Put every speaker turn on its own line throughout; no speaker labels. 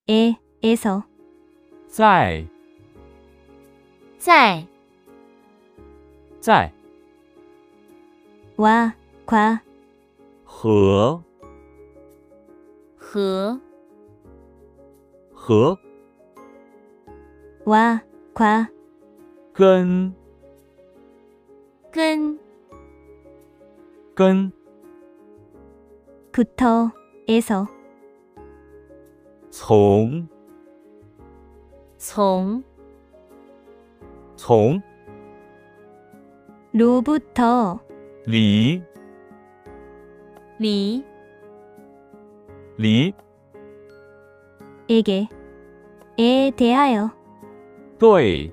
에서
在
在
在
와, 과,
和
和
和
와, 과,
跟
跟
跟
부터, 에서
从
从
从
로부터
离
离
离
에 대하여
对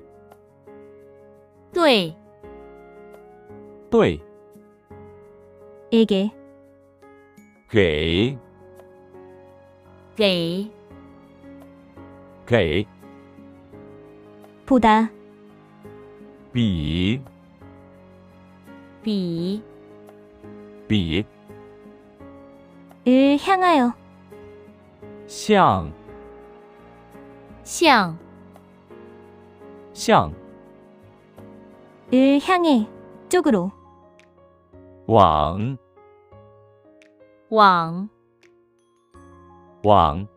对
对
에게
给
给
给
보다
比
比
比
을 향하여
向
向
向
을 향해 쪽으로
往
往
往